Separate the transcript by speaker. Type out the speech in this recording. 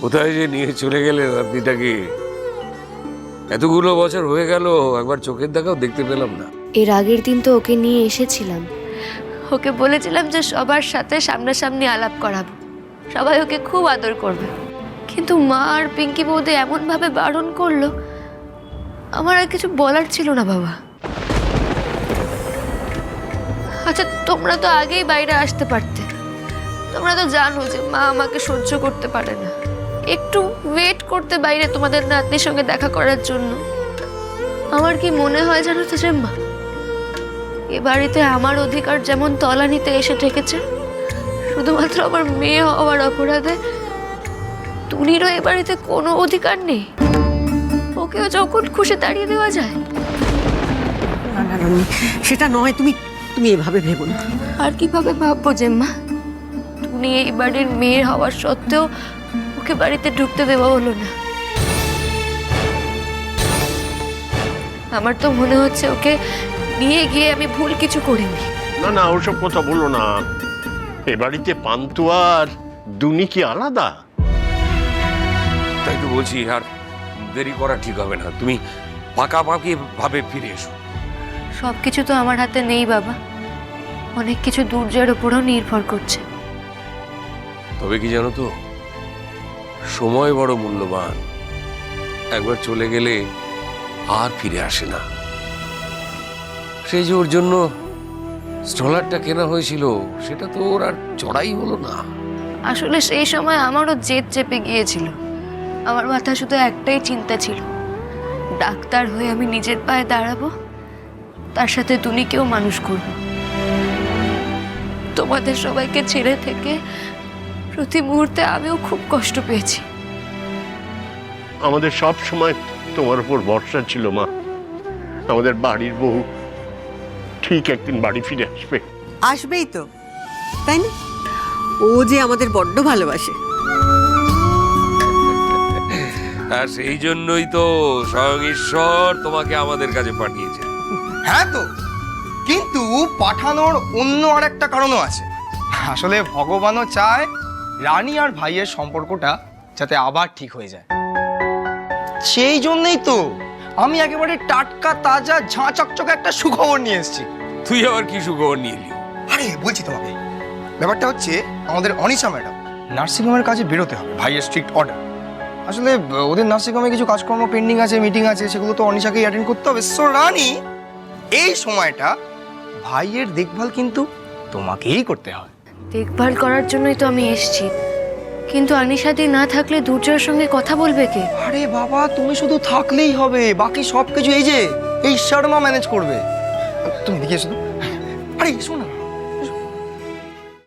Speaker 1: কোথায় যে নিয়ে চলে গেলে নাতনিটাকে? এতগুলো বছর হয়ে গেল, একবার চোখের দেখাও দেখতে পেলাম না।
Speaker 2: এর আগের দিন তো ওকে নিয়ে এসেছিলাম, ওকে বলেছিলাম যে সবার সাথে সামনাসামনি আলাপ করাবো, সবাই ওকে খুব আদর করবে। কিন্তু মা আর পিঙ্কি বৌদি এমনভাবে বারণ করলো, আমার আর কিছু বলার ছিল না বাবা। আচ্ছা, তোমরা তো আগেই বাইরে আসতে পারতে। তোমরা তো জানো যে মা আমাকে সহ্য করতে পারে না। একটু ওয়েট করতে বাইরে তোমাদের নাতনির সঙ্গে দেখা করার জন্য। আমার কি মনে হয় জানো তো যে মা, এ বাড়িতে আমার অধিকার যেমন তলানিতে এসে ঠেকেছে, শুধুমাত্র আমার মেয়ে হওয়ার অপরাধে টুনিরও এ বাড়িতে কোনো অধিকার নেই। ওকেও যখন খুশি তাড়িয়ে দেওয়া যায়।
Speaker 3: না না রনি, সেটা নয়। তুমি তুমি এভাবে ভেবো না।
Speaker 2: আর কিভাবে ভাববো যে মা, টুনি এই বাড়ির মেয়ে হওয়ার সত্ত্বেও ওকে বাড়িতে ঢুকতে দেওয়া হলো না। আমার তো মনে হচ্ছে ওকে নিয়ে গিয়ে আমি ভুল কিছু করিনি।
Speaker 4: না না, ওসব কথা বলো না। এ বাড়িতে পান্তু আর দুনি কি আলাদা?
Speaker 1: তাই তো বলছি, আর দেরি করা ঠিক হবে না। তুমি পাকাপাকি ভাবে ফিরে এসো।
Speaker 2: সবকিছু তো আমার হাতে নেই বাবা, অনেক কিছু দুর্জয়ের উপরও নির্ভর করছে।
Speaker 1: তবে কি জানো তো, সময় বড় মূল্যবান। একবার চলে গেলে আর ফিরে আসে না। সেই যে ওর জন্য স্ট্রলারটা কেনা হয়েছিল, সেটা তো ওর আর চড়াই হলো না।
Speaker 2: আসলে সেই সময় আমারও জেদ চেপে গিয়েছিল। আমার মাথায় শুধু একটাই চিন্তা ছিল, ডাক্তার হয়ে আমি নিজের পায়ে দাঁড়াবো, তার সাথে টুনিকেও মানুষ করব। তোমাদের সবাইকে ছেড়ে থেকে প্রতি মুহূর্তে আমিও খুব কষ্ট পেয়েছি।
Speaker 4: আমাদের সব সময় তোমার উপর ভরসা ছিল মা। আমাদের বাড়ির বউ ঠিক একদিন বাড়ি ফিরে আসবে।
Speaker 3: আসবেই তো, তাই না? ও যে আমাদের বড্ড ভালোবাসে।
Speaker 1: আর সেই জন্যই তো স্বয়ং ঈশ্বর তোমাকে আমাদের কাছে পাঠিয়েছে।
Speaker 5: হ্যাঁ তো, কিন্তু পাঠানোর অন্য আর একটা কারণও আছে। আসলে ভগবানও চায় রানী আর ভাইয়ের সম্পর্কটা যাতে আবার ঠিক হয়ে যায়। সেই জন্যই তো আমি একেবারে টাটকা তাজা ঝাঁ চকচকে একটা সুখবর নিয়ে এসেছি।
Speaker 1: তুই আবার কি সুখবর নিয়ে এলি?
Speaker 5: আরে বলছি তোমাকে, ব্যাপারটা হচ্ছে আমাদের অনিশা ম্যাডাম নার্সিংহোমের কাজে বেরোতে হবে, ভাইয়ের স্ট্রিক্ট অর্ডার। আসলে ওদের নার্সিংহোমে কিছু কাজকর্ম পেন্ডিং আছে, মিটিং আছে, সেগুলো তো অনিশাকেই অ্যাটেন্ড করতে হবে। সো রানী, এই সময়টা ভাইয়ের দেখভাল কিন্তু তোমাকেই করতে হয়।
Speaker 2: দেখভাল করার জন্যই তো আমি এসেছি, কিন্তু আনিশাদি না থাকলে দুর্জয়ের সঙ্গে কথা বলবে কে?
Speaker 5: আরে বাবা, তুমি শুধু থাকলেই হবে, বাকি সব কিছু এই যে এই শর্মা ম্যানেজ করবে। তুমি দেখে এসো তো। আরে শোনো না,